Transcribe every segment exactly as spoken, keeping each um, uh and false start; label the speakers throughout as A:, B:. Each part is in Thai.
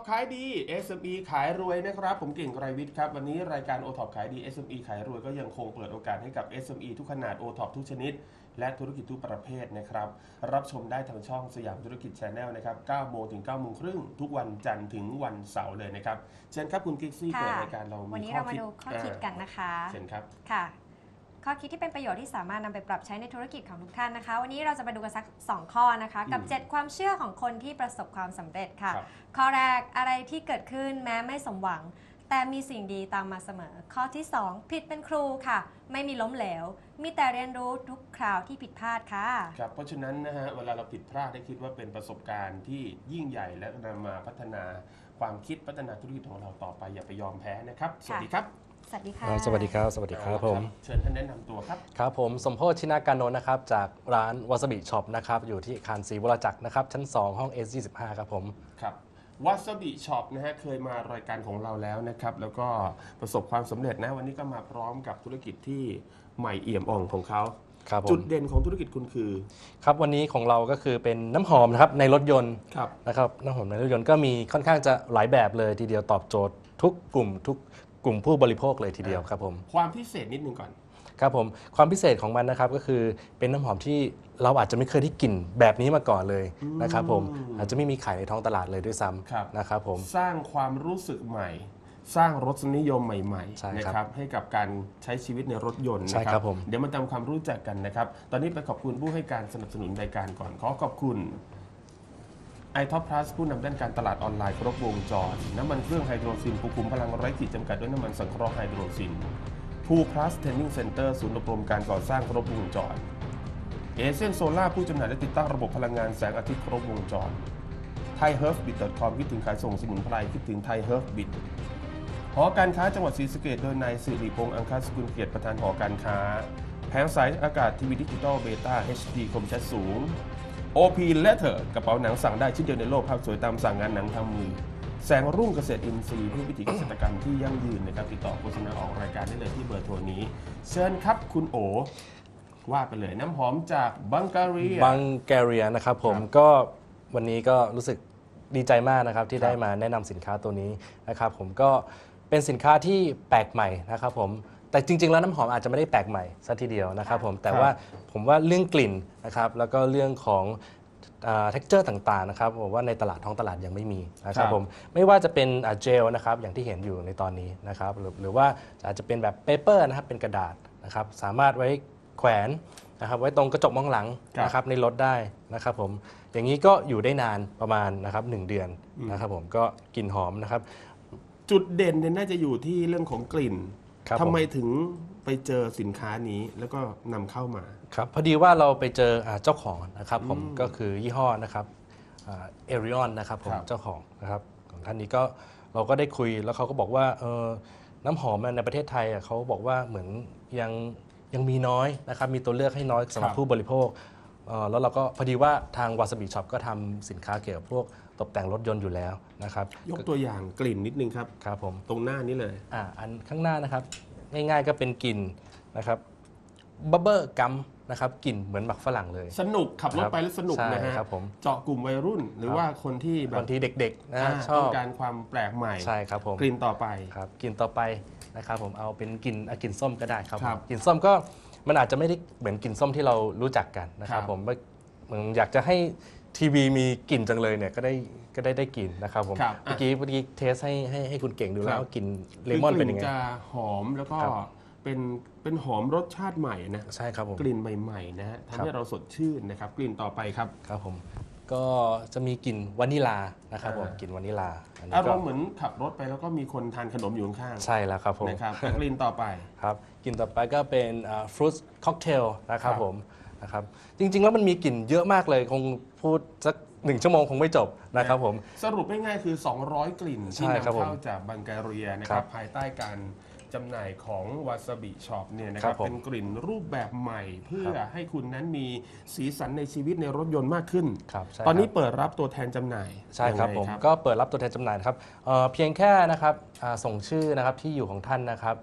A: ขายดี เอส เอ็ม อี ขายรวยนะครับผมเก่งไกรวิทย์ครับวันนี้รายการ โอ ท็อป ขายดี เอส เอ็ม อี ขายรวยก็ยังคงเปิดโอกาสให้กับ เอส เอ็ม อี ทุกขนาด โอ ท็อป ทุกชนิดและธุรกิจทุกประเภทนะครับรับชมได้ทางช่องสยามธุรกิจ Channel นะครับเก้าโมงถึงเก้าโมงครึ่งทุกวันจันทร์ถึงวันเสาร์เลยนะครับเชิญครับคุณกิ๊กซี่เปิดรายการเรามี
B: วันนี้เรามาดูข้อคิดกันนะคะ
A: เชิญครับ
B: ค่ะข้อคิดที่เป็นประโยชน์ที่สามารถนำไปปรับใช้ในธุรกิจของทุกท่านนะคะวันนี้เราจะมาดูกันสักสองข้อนะคะกับเจ็ดความเชื่อของคนที่ประสบความสำเร็จค่ะข้อแรกอะไรที่เกิดขึ้นแม้ไม่สมหวังแต่มีสิ่งดีตามมาเสมอข้อที่สองผิดเป็นครูค่ะไม่มีล้มเหลวมีแต่เรียนรู้ทุกคราวที่ผิดพลาดค่ะ
A: ครับเพราะฉะนั้นนะฮะเวลาเราผิดพลาดได้คิดว่าเป็นประสบการณ์ที่ยิ่งใหญ่และนำมาพัฒนาความคิดพัฒนาธุรกิจของเราต่อไปอย่าไปยอมแพ้นะครับสวัสดีครับ
B: สวัสดีค่ะ
C: สวัสดีครับสวัสดีครับผม
A: เชิญท่านแนะนำตัวครับ
C: ครับผมสมโพธิชินาการนนท์นะครับจากร้านวาซาบิช็อปนะครับอยู่ที่อาคารศรีวรจักรนะครับชั้นสองห้อง เอส ยี่สิบห้า ครับผม
A: ครับวาซาบิช็อปนะฮะเคยมารายการของเราแล้วนะครับแล้วก็ประสบความสำเร็จนะวันนี้ก็มาพร้อมกับธุรกิจที่ใหม่เอี่ยมอ่องของเขาจุดเด่นของธุรกิจคุณคือ
C: ครับวันนี้ของเราก็คือเป็นน้ำหอมนะครับในรถยนต์นะครับน้ำหอมในรถยนต์ก็มีค่อนข้างจะหลายแบบเลยทีเดียวตอบโจทย์ทุกกลุ่มทุกกลุ่มผู้บริโภคเลยทีเดียวครับผม
A: ความพิเศษนิดนึงก่อน
C: ครับผมความพิเศษของมันนะครับก็คือเป็นน้ำหอมที่เราอาจจะไม่เคยได้กลิ่นแบบนี้มาก่อนเลยนะครับผมอาจจะไม่มีขายในท้องตลาดเลยด้วยซ้ำนะครับผม
A: สร้างความรู้สึกใหม่สร้างรสนิยมใหม่ๆนะครับให้กับการใช้ชีวิตในรถยนต์นะครับเดี๋ยวมาทำความรู้จักกันนะครับตอนนี้ไปขอบคุณผู้ให้การสนับสนุนรายการก่อนขอขอบคุณไอท็อปพลัสผู้นำด้านการตลาดออนไลน์ครบวงจรน้ำมันเครื่องไฮโดรซินผู้คุมพลังไร้ขีดจำกัดด้วยน้ำมันสังเคราะห์ไฮโดรซินภูพลัสเทรนนิ่งเซ็นเตอร์ศูนย์อบรมการก่อสร้างครบวงจรเอเซนโซล่าผู้จำหน่ายและติดตั้งระบบพลังงานแสงอาทิตย์ครบวงจรไทยเฮิร์ฟบิท ดอท คอม คิดถึงขายส่งสมุนไพรคิดถึงไทยเฮิร์ฟบิทหอการค้าจังหวัดศรีสะเกษโดยนายสิริพงษ์อังคสกุลเกียรติประธานหอการค้าแผงสายอากาศทีวีดิจิตอลเบต้า เอช ดี คมชัดสูง โอ พี Letter กระเป๋าหนังสั่งได้ชิ้นเดียวในโลกภาพสวยตามสั่งงานหนังทำมือแสงรุ่งเกษตรอินทรีย์เพื่อวิถีเกษตรกรรมที่ยั่งยืนนะครับติดต่อโฆษณาออกรายการได้เลยที่เบอร์โทรนี้เชิญครับคุณโอว่าไปเลยน้ำหอมจากบังการี
C: บังการีนะครับผมก็วันนี้ก็รู้สึกดีใจมากนะครับที่ได้มาแนะนำสินค้าตัวนี้นะครับผมก็เป็นสินค้าที่แปลกใหม่นะครับผมแต่จริงๆแล้วน้ำหอมอาจจะไม่ได้แปลกใหม่ซะทีเดียวนะครับผมแต่ว่าผมว่าเรื่องกลิ่นนะครับแล้วก็เรื่องของเท็กเจอร์ต่างๆนะครับผมว่าในตลาดท้องตลาดยังไม่มีนะครับผมไม่ว่าจะเป็นเจลนะครับอย่างที่เห็นอยู่ในตอนนี้นะครับหรือหรือว่าอาจจะเป็นแบบเปเปอร์นะครับเป็นกระดาษนะครับสามารถไว้แขวนนะครับไว้ตรงกระจกมองหลังนะครับในรถได้นะครับผมอย่างนี้ก็อยู่ได้นานประมาณนะครับหนึ่งเดือนนะครับผมก็กลิ่นหอมนะครับ
A: จุดเด่นเนี่ยน่าจะอยู่ที่เรื่องของกลิ่นทำไมถึงไปเจอสินค้านี้แล้วก็นำเข้ามา
C: ครับพอดีว่าเราไปเจอเจ้าของนะครับผมก็คือยี่ห้อนะครับเอริออนนะครับผมเจ้าของนะครับของท่านนี้ก็เราก็ได้คุยแล้วเขาก็บอกว่าน้ำหอมในประเทศไทยเขาบอกว่าเหมือนยังยังมีน้อยนะครับมีตัวเลือกให้น้อยสำหรับผู้บริโภคแล้วเราก็พอดีว่าทางวาซาบิช็อปก็ทำสินค้าเกี่ยวกับพวกตกแต่งรถยนต์อยู่แล้วนะครับ
A: ยกตัวอย่างกลิ่นนิดนึงครับ
C: ครับผม
A: ตรงหน้านี้เลย
C: อ่าอันข้างหน้านะครับง่ายๆก็เป็นกลิ่นนะครับบับเบิ้ลกัมนะครับกลิ่นเหมือนหมักฝรั่งเลย
A: สนุกขับรถไปแล้วสนุกนะฮะเจาะกลุ่มวัยรุ่นหรือว่าคนที่
C: บางทีเด็กๆนะชอบ
A: ต้องการความแปลกใหม่
C: ใช่ครับผม
A: กลิ่นต่อไป
C: ครับกลิ่นต่อไปนะครับผมเอาเป็นกลิ่นกลิ่นส้มก็ได้ครับกลิ่นส้มก็มันอาจจะไม่ได้เหมือนกลิ่นส้มที่เรารู้จักกันนะครับผมเหมือนอยากจะให้ทีวีมีกลิ่นจังเลยเนี่ยก็ได้ก็ได้ได้กลิ่นนะครับผมเมื่อกี้เมื่อกี้เทสให้ให้ให้คุณเก่งดูแล้วกลิ่นเลมอนเป็นยังไง
A: จะหอมแล้วก็เป็นเป็นหอมรสชาติใหม่นะ
C: ใช่ครับผม
A: กลิ่นใหม่ๆนะฮะทำให้เราสดชื่นนะครับกลิ่นต่อไปครับ
C: ครับผมก็จะมีกลิ่นวานิลานะครับผมกลิ่นวานิลา
A: อารมณ์เหมือนขับรถไปแล้วก็มีคนทานขนมอยู่ข้าง
C: ใช่แล้วครับผม
A: นะครับกลิ่นต่อไป
C: ครับกลิ่นต่อไปก็เป็นฟรุตค็อกเทลนะครับผมนะครับจริงๆแล้วมันมีกลิ่นเยอะมากเลยคงพูดสักหนึ่งชั่วโมงคงไม่จบนะครับผม
A: สรุปง่ายๆคือสองร้อยกลิ่นที่นำเข้าจากบังการีนะครับภายใต้การจำหน่ายของวาซาบิช็อปเนี่ยนะครับเป็นกลิ่นรูปแบบใหม่เพื่อให้คุณนั้นมีสีสันในชีวิตในรถยนต์มากขึ้นตอนนี้เปิดรับตัวแทนจำหน่าย
C: ใช่ครับผมก็เปิดรับตัวแทนจำหน่ายครับเพียงแค่นะครับส่งชื่อนะครับที่อยู่ของท่านนะครับ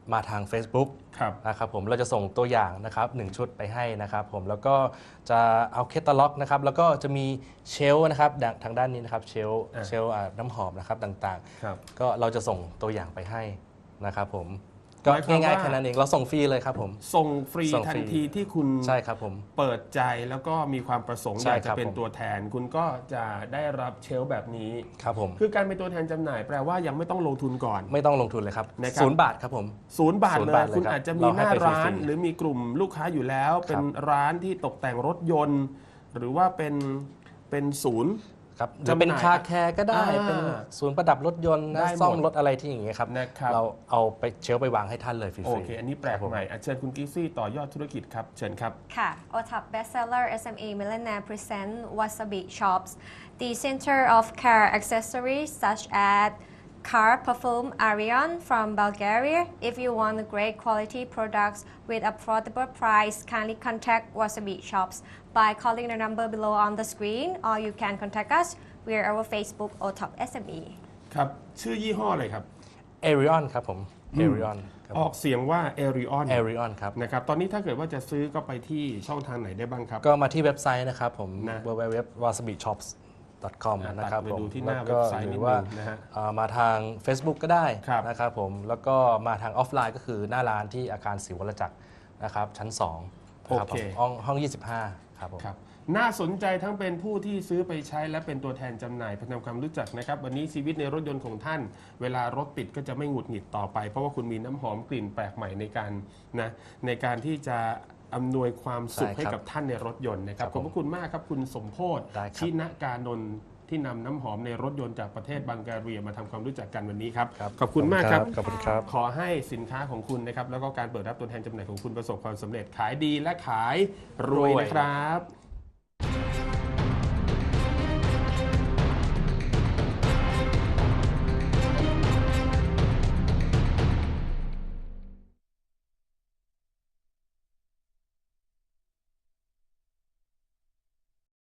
C: มาทาง Facebook
A: ครับ
C: นะครับผมเราจะส่งตัวอย่างนะครับหนึ่งชุดไปให้นะครับผมแล้วก็จะเอาแคตตาล็อกนะครับแล้วก็จะมีเชลฟ์นะครับทางด้านนี้นะครับเชลฟ์
A: อ่ะ
C: เชลฟ์อ่าน้ำหอมนะครับต่าง
A: ครับ
C: ๆ ก็เราจะส่งตัวอย่างไปให้นะครับผมก็
A: หมายความ
C: ง่าย
A: ว่า
C: ๆแค่นั้นเองเราส่งฟรีเลยครับผม
A: ส่งฟรี
C: ส่ง
A: ทั
C: ฟรี
A: นทีที่คุณ
C: ใช่ครับผม
A: เปิดใจแล้วก็มีความประสงค์
C: ใช่
A: อยาก
C: ค
A: จะ
C: รับ
A: เป็น
C: ผม
A: ตัวแทน คุณก็จะได้รับเชลฟ์แบบนี้
C: ครับผม
A: คือการเป็นตัวแทนจำหน่ายแปลว่ายังไม่ต้องลงทุนก่อน
C: ไม่ต้องลงทุนเลยครับ
A: นะครับ
C: ศูนย์บาทครับผม
A: ศูนย์บาท
C: ศูนย์
A: เล
C: บาย ทเลย
A: คุณ
C: ครับ
A: อาจจะมี
C: เรา
A: ห
C: ให้
A: น้า
C: ไปฟรีๆ
A: ร้าน หรือมีกลุ่มลูกค้าอยู่แล้ว เป็น
C: ครับ
A: ร้านที่ตกแต่งรถยนต์ หรือว่าเป็นเป็นศูนย์
C: ครับ
A: จำหน่าย
C: จะเป็นคาแคร์ก็ได้
A: อ่า
C: เป็นศูนย์ประดับรถยนต์
A: ได้
C: นะ
A: หมด
C: ซ่อมรถอะไรที่อย่างเงี้ยครับ
A: นะครับ
C: เราเอาไปเชลฟ์ไปวางให้ท่านเลยฟรีๆ
A: โอเค อันนี้แปลกใหม่อ่ะเชิญคุณกิฟซี่ต่อยอดธุรกิจครับ เชิญครับ
B: ค่ะ โอ ท็อป Bestseller เอส เอ็ม อี Millionaire present Wasabi Shops the center of car accessories such as car perfume Arion from Bulgaria. If you want great quality products with affordable price, kindly contact Wasabi Shops by calling the number below on the screen, or you can contact us via our Facebook โอ ท็อป เอส เอ็ม อี
A: ครับ ชื่อยี่ห้ออะไรครับ
C: เอริออนครับผมเอริออนครับ
A: ออกเสียงว่า Aerion
C: เอริออนครับ
A: นะครับ ตอนนี้ถ้าเกิดว่าจะซื้อก็ไปที่ช่องทางไหนได้บ้างครับ
C: ก็มาที่เว็บไซต์นะครับผม
A: นะ
C: ดับเบิลยู ดับเบิลยู ดับเบิลยู ดอท วาซาบิช็อปส์ ดอท คอม
A: อ่ะ
C: นะครับ
A: ตัดไป
C: ผม
A: ดูที่หน้า
C: แล้วก็
A: เว็บไซต์
C: ห
A: นิ
C: รื
A: ด
C: อว่า
A: นึงนะฮะ
C: อ่ามาทาง Facebook ก็ได้
A: ครับ
C: นะครับผมแล้วก็มาทางออฟไลน์ก็คือหน้าร้านที่อาคารศรีวรจักรนะครับชั้นสองนะครับ
A: โอเค
C: ผมห้องห้องยี่สิบห้าครับผม
A: ครับน่าสนใจทั้งเป็นผู้ที่ซื้อไปใช้และเป็นตัวแทนจำหน่ายเพื่อทำความรู้จักนะครับ วันนี้ชีวิตในรถยนต์ของท่าน เวลารถติดก็จะไม่หงุดหงิดต่อไป เพราะว่าคุณมีน้ำหอมกลิ่นแปลกใหม่ในการนะในการที่จะอำนวยความสุข
C: ใช่ครับ
A: ให้กับท่านในรถยนต์นะครับ
C: ครับ
A: ขอบพระคุณมากครับคุณสมโพธ
C: ได้ครับ
A: ชินการนนท์ที่นำน้ำหอมในรถยนต์จากประเทศบังการีมาทำความรู้จักกันวันนี้ครับ
C: ครับ
A: ขอบคุณมากครับ
C: ขอบคุณครับ
A: ขอให้สินค้าของคุณนะครับแล้วก็การเปิดรับตัวแทนจำหน่ายของคุณประสบความสำเร็จขายดีและขายรวย
C: รวย
A: นะครับ